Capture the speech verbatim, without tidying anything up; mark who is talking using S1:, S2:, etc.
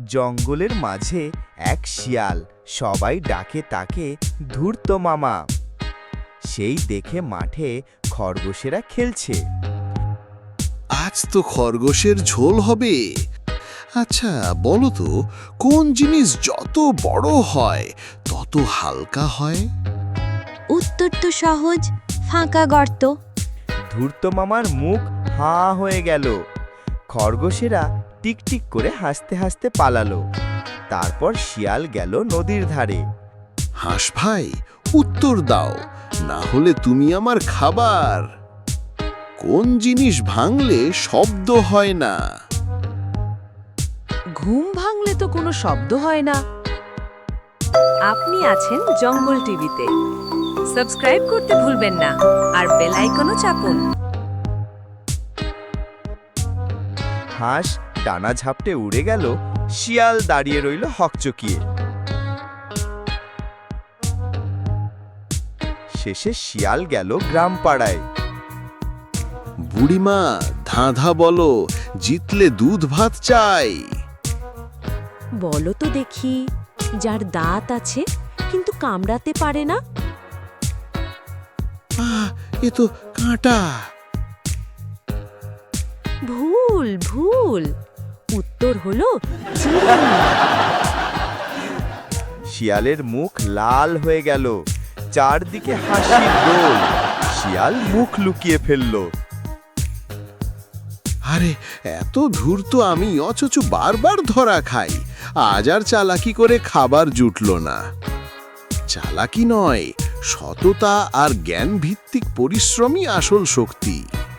S1: জঙ্গলের মাঝে এক শিয়াল, সবাই ডাকে তাকে ধূর্ত মামা। সেই দেখে মাঠে খরগোশেরা খেলছে।
S2: আজ তো খরগোশের ঝোল হবে। আচ্ছা বলো তো, কোন জিনিস যত বড় হয় তত হালকা হয়?
S3: উত্তর তো সহজ, ফাঁকা গর্ত।
S1: ধূর্ত মামার মুখ হাঁ হয়ে গেল। খরগোশেরা টিকটিক করে হাসতে হাসতে পালালো। তারপর শিয়াল গেল নদীর ধারে।
S2: হাঁস ভাই, উত্তর দাও, না হলে তুমি আমার খাবার। কোন জিনিস ভাঙলে শব্দ হয় না?
S4: ঘুম ভাঙলে তো কোনো শব্দ হয় না। আপনি আছেন জঙ্গল টিভিতে। সাবস্ক্রাইব করতে ভুলবেন না, আর বেল আইকনও চাপুন।
S1: হাঁস ডানা ঝাপটে উড়ে গেল, শিয়াল দাঁড়িয়ে রইল হকচকিয়ে। শেষে শিয়াল গেল গ্রাম পাড়ায়।
S2: বুড়িমা, ধাঁধা বলো, জিতলে দুধ ভাত চাই।
S3: বলো তো দেখি, যার দাঁত আছে কিন্তু কামড়াতে পারে না।
S2: আহ, এ তো কাঁটা।
S3: ভুল ভুল, উত্তর হলো চিরুনি।
S1: শিয়ালের মুখ লাল হয়ে গেল, চারদিকে হাসির দোল। শিয়াল মুখ লুকিয়ে ফেলল।
S2: আরে এত ধূর্ত আমি, অথচ বারবার ধরা খাই। আজ আর চালাকি করে খাবার জুটল না। চালাকি নয়, সততা আর জ্ঞান ভিত্তিক পরিশ্রমই আসল শক্তি।